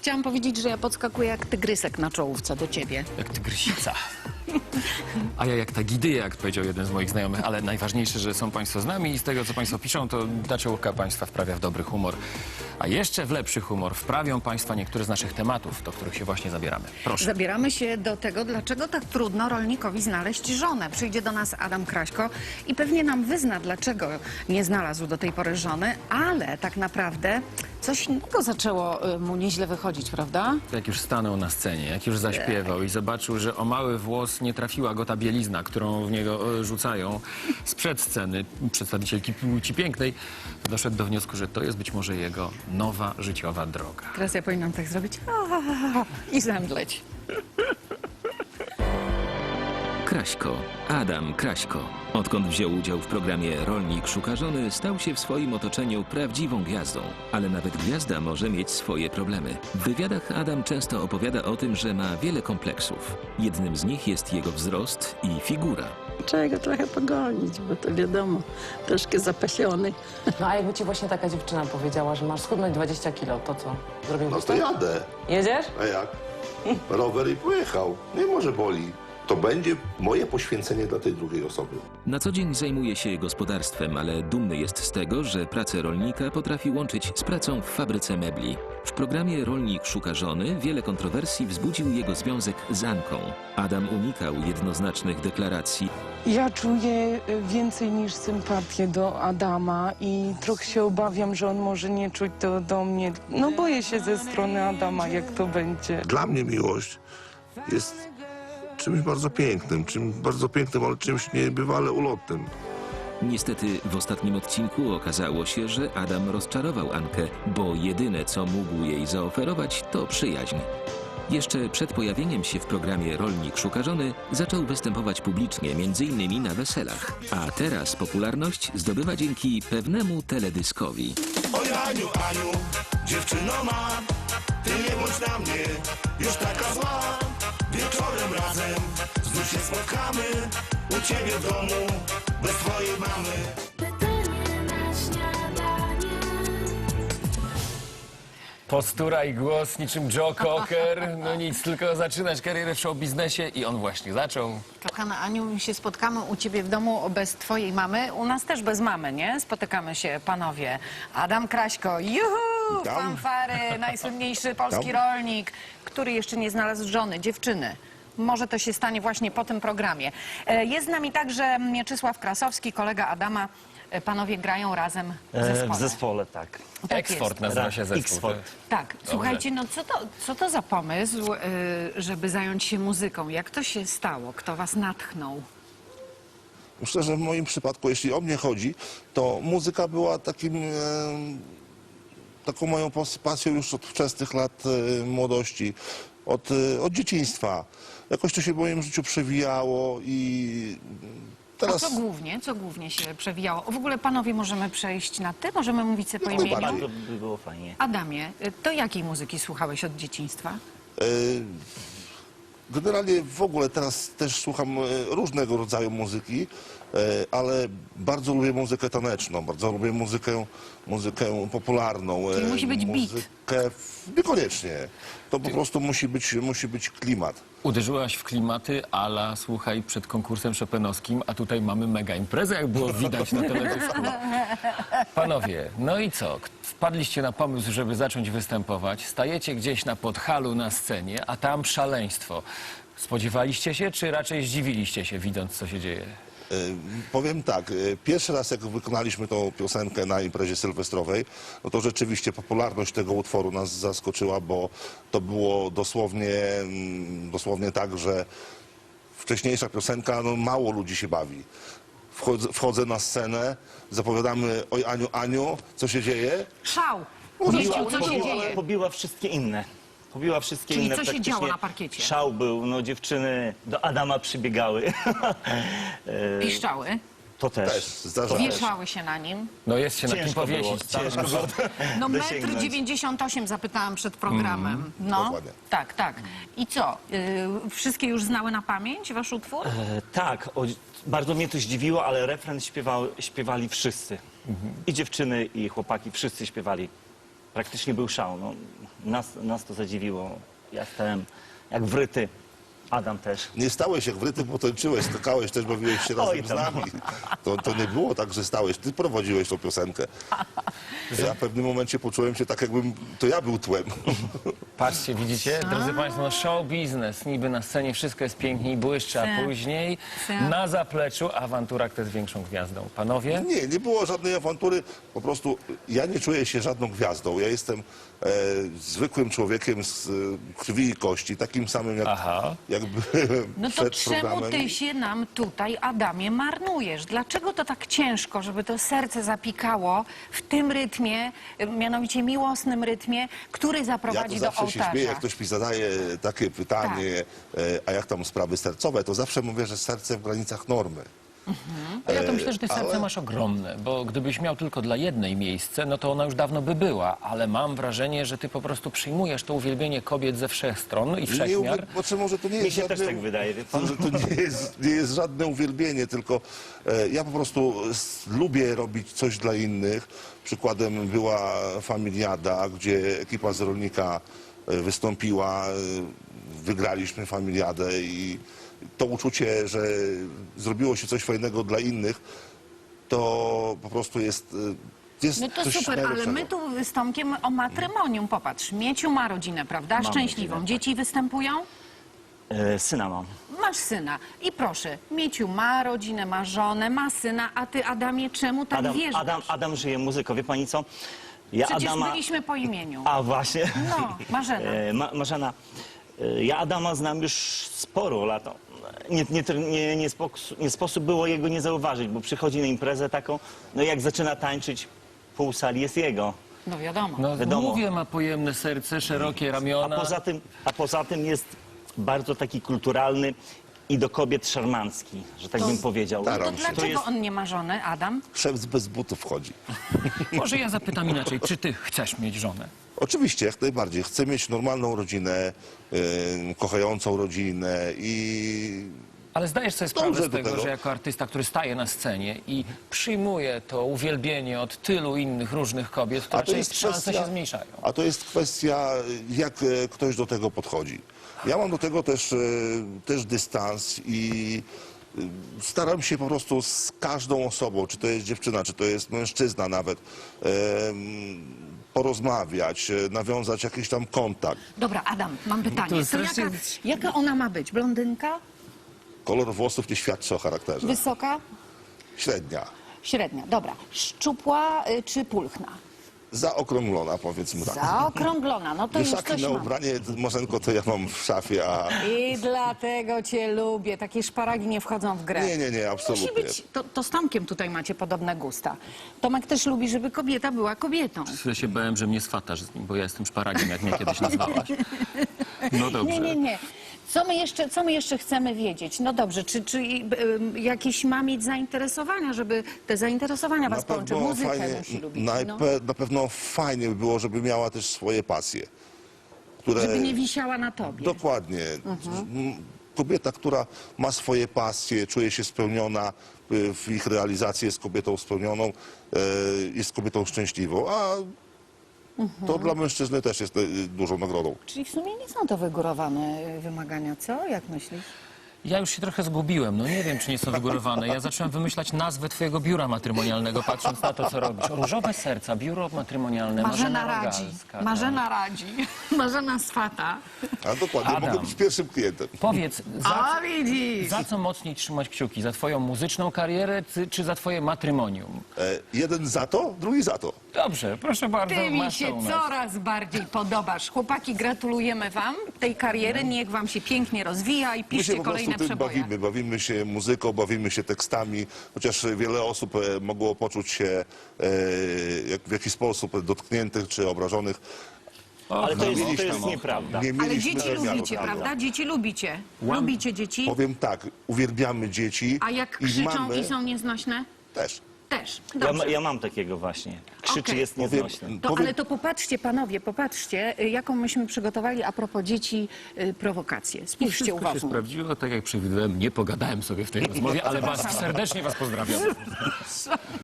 chciałam powiedzieć, że ja podskakuję jak tygrysek na czołówce do ciebie. Jak tygrysica. A ja jak ta gidyja, jak powiedział jeden z moich znajomych, ale najważniejsze, że są Państwo z nami i z tego, co Państwo piszą, to ta czołówka Państwa wprawia w dobry humor. A jeszcze w lepszy humor wprawią Państwa niektóre z naszych tematów, do których się właśnie zabieramy. Proszę. Zabieramy się do tego, dlaczego tak trudno rolnikowi znaleźć żonę. Przyjdzie do nas Adam Kraśko i pewnie nam wyzna, dlaczego nie znalazł do tej pory żony, ale tak naprawdę coś innego zaczęło mu nieźle wychodzić, prawda? Jak już stanął na scenie, jak już zaśpiewał i zobaczył, że o mały włos nie trafiła go ta bielizna, którą w niego rzucają sprzed sceny przedstawicielki płci pięknej, doszedł do wniosku, że to jest być może jego nowa życiowa droga. Teraz ja powinnam tak zrobić i zemdleć. Kraśko, Adam Kraśko. Odkąd wziął udział w programie Rolnik szuka żony, stał się w swoim otoczeniu prawdziwą gwiazdą. Ale nawet gwiazda może mieć swoje problemy. W wywiadach Adam często opowiada o tym, że ma wiele kompleksów. Jednym z nich jest jego wzrost i figura. Trzeba go trochę pogonić, bo to wiadomo, troszkę zapasiony. No a jakby ci właśnie taka dziewczyna powiedziała, że masz schudnąć 20 kilo, to co? No Zrobiłbyś to to? jadę. Jedziesz? A jak? Rower i pojechał. Nie może boli. To będzie moje poświęcenie dla tej drugiej osoby. Na co dzień zajmuje się gospodarstwem, ale dumny jest z tego, że pracę rolnika potrafi łączyć z pracą w fabryce mebli. W programie Rolnik szuka żony wiele kontrowersji wzbudził jego związek z Anką. Adam unikał jednoznacznych deklaracji. Ja czuję więcej niż sympatię do Adama i trochę się obawiam, że on może nie czuć to do mnie. No boję się ze strony Adama, jak to będzie. Dla mnie miłość jest czymś bardzo pięknym, ale czymś niebywale ulotnym. Niestety w ostatnim odcinku okazało się, że Adam rozczarował Ankę, bo jedyne co mógł jej zaoferować to przyjaźń. Jeszcze przed pojawieniem się w programie Rolnik szuka żony zaczął występować publicznie, m.in. na weselach. A teraz popularność zdobywa dzięki pewnemu teledyskowi. Oj Aniu, Aniu, dziewczyno ma, ty nie bądź na mnie już taka zła. Wieczorem razem znów się spotkamy u ciebie w domu bez twojej mamy. Postura i głos niczym Joe Cocker. No nic, tylko zaczynać karierę w showbiznesie i on właśnie zaczął. Kochana Aniu, my się spotkamy u ciebie w domu bez twojej mamy. U nas też bez mamy, nie? Spotykamy się, panowie. Adam Kraśko, juhu! Witam. Fanfary, najsłynniejszy polski rolnik, który jeszcze nie znalazł żony, dziewczyny. Może to się stanie właśnie po tym programie. Jest z nami także Mieczysław Krasowski, kolega Adama. Panowie grają razem w zespole. W zespole, tak. Tak Eksport jest. nazywa się zespół. X-Fort. Tak, słuchajcie, no co to za pomysł, żeby zająć się muzyką? Jak to się stało? Kto was natchnął? Myślę, że w moim przypadku, jeśli o mnie chodzi, to muzyka była taką moją pasją już od wczesnych lat młodości, od dzieciństwa. Jakoś to się w moim życiu przewijało i teraz... A co głównie się przewijało? W ogóle, panowie, możemy przejść na ty? Możemy mówić sobie po No, imieniu? najbardziej. To by było fajnie. Adamie, to jakiej muzyki słuchałeś od dzieciństwa? Generalnie w ogóle teraz też słucham różnego rodzaju muzyki, ale bardzo lubię muzykę taneczną, bardzo lubię muzykę popularną. Czyli musi być beat. Niekoniecznie. To po prostu musi być klimat. Uderzyłaś w klimaty ala, słuchaj, przed konkursem chopinowskim, a tutaj mamy mega imprezę, jak było widać na teledysku. Panowie, no i co? Wpadliście na pomysł, żeby zacząć występować, stajecie gdzieś na Podhalu na scenie, a tam szaleństwo. Spodziewaliście się, czy raczej zdziwiliście się, widząc, co się dzieje? Powiem tak, pierwszy raz jak wykonaliśmy tą piosenkę na imprezie sylwestrowej, no to rzeczywiście popularność tego utworu nas zaskoczyła, bo to było dosłownie tak, że wcześniejsza piosenka, no mało ludzi się bawi. Wchodzę na scenę, zapowiadamy: oj Aniu, Aniu, co się dzieje? Szał! Mieściu, co się dzieje? Pobiła wszystkie inne. Pobiła wszystkie Czyli inne. co się praktycznie. działo na parkiecie? Szał był, no dziewczyny do Adama przybiegały. Piszczały, To też. Też, zdarza się. wieszały się na nim. No jest się na kim Ciężko było, powiesić. ciężko było No dosięgnąć. 1,98 m zapytałam przed programem. No, Dokładnie. tak. I co? Wszystkie już znały na pamięć wasz utwór? Tak, bardzo mnie to zdziwiło, ale refren śpiewali wszyscy. I dziewczyny, i chłopaki, wszyscy śpiewali Praktycznie był szał. No, nas to zadziwiło. Ja stałem jak wryty. Adam też. Nie stałeś jak wryty, bo tańczyłeś, skakałeś, też bawiłeś się Oj, razem z tam. nami. To nie było tak, że stałeś. Ty prowadziłeś tą piosenkę. Ja w pewnym momencie poczułem się tak, jakbym to ja był tłem. Patrzcie, widzicie? Drodzy Państwo, no show biznes. Niby na scenie wszystko jest pięknie i błyszczy, a później na zapleczu awantura, kto jest większą gwiazdą. Panowie? Nie było żadnej awantury. Po prostu ja nie czuję się żadną gwiazdą. Ja jestem zwykłym człowiekiem z krwi i kości, takim samym jak byłem No to przed czemu programem. ty się nam tutaj, Adamie, marnujesz? Dlaczego to tak ciężko, żeby to serce zapikało w tym rytmie, mianowicie miłosnym rytmie, który Ja zaprowadzi to do zawsze się śmieję, ołtarza? jak ktoś mi zadaje takie pytanie, a jak tam sprawy sercowe, to zawsze mówię, że serce w granicach normy. A ja to myślę, że ty serce ale- masz ogromne, bo gdybyś miał tylko dla jednej miejsce, no to ona już dawno by była, ale mam wrażenie, że ty po prostu przyjmujesz to uwielbienie kobiet ze wszech stron i wszechmiar. Znaczy może to nie Mi jest się też żadne, tak wydaje, wie pan? że to nie jest żadne uwielbienie, tylko ja po prostu lubię robić coś dla innych. Przykładem była Familiada, gdzie ekipa z Rolnika wystąpiła, wygraliśmy Familiadę i to uczucie, że zrobiło się coś fajnego dla innych, to po prostu jest No to coś super, ale najlepszego. my tu z Tomkiem o matrymonium, popatrz, Mieciu ma rodzinę, prawda? Mam Szczęśliwą. rodzinę, Dzieci występują? Syna mam. Masz syna. I proszę, Mieciu ma rodzinę, ma żonę, ma syna, a ty, Adamie, czemu tak wierzysz? Adam żyje muzyką. Wie pani co? Ja Przecież Adama... byliśmy po imieniu. A właśnie. No, Marzena. Marzena, ja Adama znam już sporo lat. Nie sposób było jego nie zauważyć, bo przychodzi na imprezę taką, no jak zaczyna tańczyć, pół sali jest jego. No wiadomo. No Wiadomo. mówię, ma pojemne serce, szerokie ramiona. A poza tym jest bardzo taki kulturalny i do kobiet szarmancki, że tak bym powiedział. staram To się. dlaczego jest- on nie ma żony, Adam? Szef bez butów chodzi. Może ja zapytam inaczej, czy ty chcesz mieć żonę? Oczywiście, jak najbardziej. Chcę mieć normalną rodzinę, kochającą rodzinę i Ale zdajesz sobie sprawę Dążę z do tego, tego. że jako artysta, który staje na scenie i przyjmuje to uwielbienie od tylu innych różnych kobiet, to raczej szanse się zmniejszają. A to jest kwestia, jak ktoś do tego podchodzi. Ja mam do tego też dystans i staram się po prostu z każdą osobą, czy to jest dziewczyna, czy to jest mężczyzna nawet, porozmawiać, nawiązać jakiś tam kontakt. Dobra, Adam, mam pytanie. To To strasznie- jaka ona ma być? Blondynka? Kolor włosów nie świadczy o charakterze. Wysoka? Średnia. Średnia. Dobra. Szczupła czy pulchna? Zaokrąglona, powiedzmy tak. Zaokrąglona. No to już Wieszaki coś na mam. ubranie, Marzenko, to ja mam w szafie, a I dlatego cię lubię. Takie szparagi nie wchodzą w grę. nie, absolutnie. Musi być, to z Tomkiem tutaj macie podobne gusta. Tomek też lubi, żeby kobieta była kobietą. Ja się bałem, że mnie swatasz z nim, bo ja jestem szparagiem, jak mnie kiedyś nazwałaś. No dobrze. Nie. Co my jeszcze chcemy wiedzieć? No dobrze, czy jakieś ma mieć zainteresowania, żeby te zainteresowania was połączy? Muzykę musi lubić. No. Na pewno fajnie by było, żeby miała też swoje pasje. Które... Żeby nie wisiała na tobie. Dokładnie. Kobieta, która ma swoje pasje, czuje się spełniona w ich realizacji, jest kobietą spełnioną, jest kobietą szczęśliwą, a to dla mężczyzny też jest dużą nagrodą. Czyli w sumie nie są to wygórowane wymagania, co? Jak myślisz? Ja już się trochę zgubiłem, no nie wiem, czy nie są wygórowane. Ja zacząłem wymyślać nazwę twojego biura matrymonialnego, patrząc na to, co robisz. Różowe serca, biuro matrymonialne, Marzena radzi. Rogalska. Marzena radzi. Marzena swata. A dokładnie, Adam. mogę być pierwszym klientem. Powiedz, A widzisz! za co mocniej trzymać kciuki? Za twoją muzyczną karierę, czy za twoje matrymonium? Jeden za to, drugi za to. Dobrze, proszę bardzo, Ty mi masz to się u nas. coraz bardziej podobasz. Chłopaki, gratulujemy wam tej kariery. Niech wam się pięknie rozwija i My się piszcie po prostu kolejne tym przeboje. bawimy się muzyką, bawimy się tekstami, chociaż wiele osób mogło poczuć się w jakiś sposób dotkniętych czy obrażonych. Ale to mieliśmy jest tam- nieprawda. Nie Ale mieliśmy dzieci zamiaru lubicie, tego. prawda? Dzieci lubicie. Lubicie dzieci? Powiem tak, uwielbiamy dzieci. A jak krzyczą mamy i są nieznośne? też. Też. Dobrze. Ja mam takiego właśnie. Krzyczy, Okej. jest nieznośny. Ale to popatrzcie, panowie, popatrzcie, jaką myśmy przygotowali a propos dzieci prowokację. Spójrzcie Wszystko się uważnie. sprawdziło, tak jak przewidywałem. Nie pogadałem sobie w tej rozmowie, ale serdecznie was pozdrawiam.